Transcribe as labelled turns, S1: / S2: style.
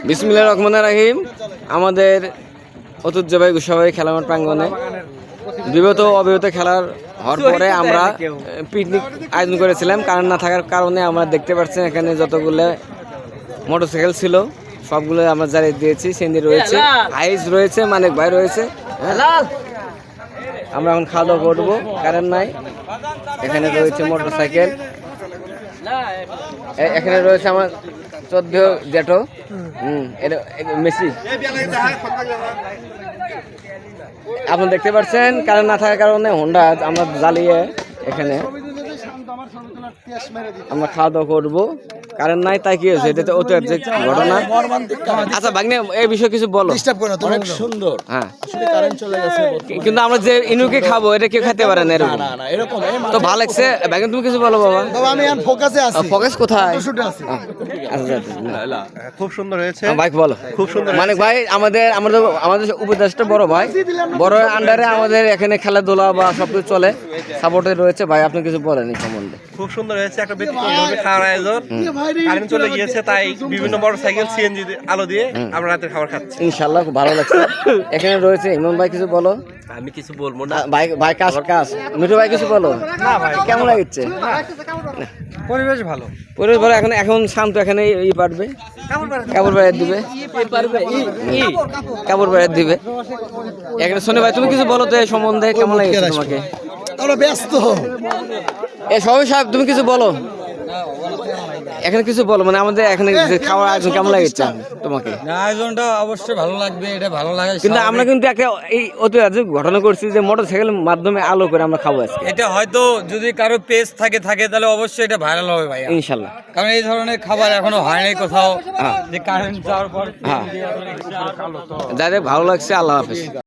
S1: বিসমিল্লাহির রহমানির রহিম। আমাদের ঐতিহ্যবাহী গোসাবাড়ি খেলা মাঠ প্রাঙ্গণে বিগত অবিরত খেলার হওয়ার পরে আমরা পিকনিক আয়োজন করেছিলাম। কারণ না থাকার কারণে আমরা দেখতে পাচ্ছি এখানে যতগুলো মোটরসাইকেল ছিল সবগুলো আমরা জ্বালিয়ে দিয়েছি। সেন্দি রয়েছে, আইস রয়েছে, মানিক ভাই রয়েছে। আমরা এখন খাওয়া দাওয়া করবো, কারেন্ট নাই। এখানে রয়েছে মোটরসাইকেল, এখানে রয়েছে আমার 14 জেটো মেসি। আপনি দেখতে পাচ্ছেন কারেন্ট না থাকার কারণে হোন্ডা আমরা জ্বালিয়ে এখানে আমরা খাওয়া দাওয়া করবো। কারেন্ট নাই তাই কি হয়েছে, এটা তো ঐতিহাসিক ঘটনা। আচ্ছা ভাগ্নে এই বিষয়ে কিছু বলো।
S2: অনেক সুন্দর।
S1: হ্যাঁ,
S2: আসলে কারেন্ট চলে গেছে,
S1: কিন্তু আমরা যে ইনুকে খাবো এটা কেউ খেতে পারে না এরকম।
S2: না এরকম
S1: তো ভালো লাগছে ভাগ্নে, তুমি কিছু বলো বাবা।
S2: আমি এখন ফোকাসে আছি।
S1: ফোকাস কোথায়? আচ্ছা
S3: খুব সুন্দর হয়েছে
S1: ভাই, বলো।
S3: খুব সুন্দর
S1: মানিক ভাই আমাদের আমাদের আমাদের উপদেশটা বড় ভাই, বড় আন্ডারে আমাদের এখানে খেলাধুলা বা সবকিছু চলে, সাপোর্টে রয়েছে। ভাই আপনি কিছু বলেন এই সম্বন্ধে।
S3: খুব সুন্দর হয়েছে, একটা ব্যতিক্রমভাবে খাওয়ার আয়োজন। কারেন্ট চলে গিয়েছে তাই বিভিন্ন মোটরসাইকেল সিএনজি আলো দিয়ে আমরা রাতের খাবার খাচ্ছি।
S1: ইনশাআল্লাহ খুব ভালো লাগছে। এখানে রয়েছে ইমন ভাই, কিছু বলো।
S3: আমি কিছু বলবো না
S1: ভাই ভাই কাজ কাজ মিঠু ভাই কিছু বলো।
S3: না ভাই,
S1: কেমন লাগছে?
S3: পরিবেশ ভালো।
S1: পরিবেশ ভালো, এখন এখন শান্ত, এখানে ই পারবে কাপড় বাইরে দিবে, কাপড় বাইরে দিবে এখানে। শোনে ভাই তুমি কিছু বলো তো এই সম্বন্ধে, কেমন লাগছে তোমাকে?
S2: আমরা ব্যস্ত।
S1: এ সবাই সাহেব তুমি কিছু বলো, এখানে কিছু বলো, মানে আমাদের এখানে যে খাওয়ার আয়োজন কেমন লাগছে তোমাকে?
S4: আয়োজনটা অবশ্যই ভালো লাগবে, এটা ভালো লাগে।
S1: কিন্তু আমরা কিন্তু একটা এই ঐতিহাসিক ঘটনা করছি যে মোটরসাইকেলের মাধ্যমে আলো করে আমরা খাবো আজকে।
S4: এটা হয়তো যদি কারো পেজ থাকে তাহলে অবশ্যই এটা ভাইরাল হবে ভাই,
S1: ইনশাল্লাহ।
S4: কারণ এই ধরনের খাবার এখনো হয়নি কোথাও, যে কারেন্ট যাওয়ার পর।
S1: হ্যাঁ, যাদের ভালো লাগছে, আল্লাহ হাফেজ।